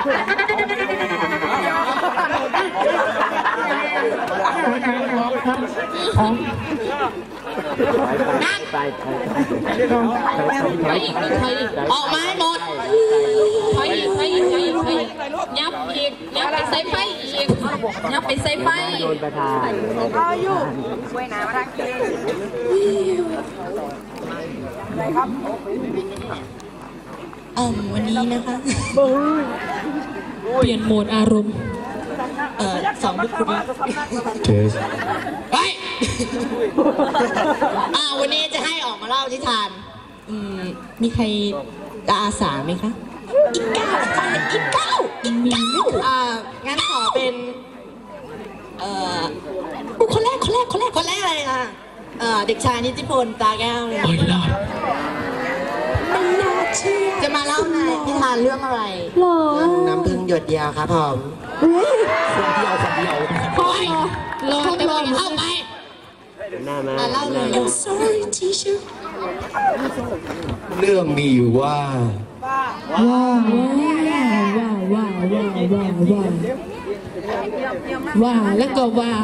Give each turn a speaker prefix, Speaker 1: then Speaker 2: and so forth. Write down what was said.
Speaker 1: นั่งออกมาให้หมดถอยอีกยับอีกยับไปใส่ไฟอีกยับไปใส่ไฟเอาอยู่ช่วยน้ำมาทักทีอะไรครับวันนี้นะคะเปลี่ยนโหมดอารมณ์สองบุคคลเฮ้ยวันนี้จะให้ออกมาเล่าที่ทานมีใครอาสาไหมคะอีกเก้างั้นขอเป็นคนแรกเลยค่ะเด็กชายนิติพลตาแก้วเลยไม่น่าเชื่อจะมาเล่าในนิทานเรื่องอะไรน้ำพึ่งหยดเดียวครับผมคนเดียวรอแต่ว่าเข้าไปมาเล่าเลย sorry teacher
Speaker 2: เรื่องมีอยู่ว่า
Speaker 3: แล้วก็ว่า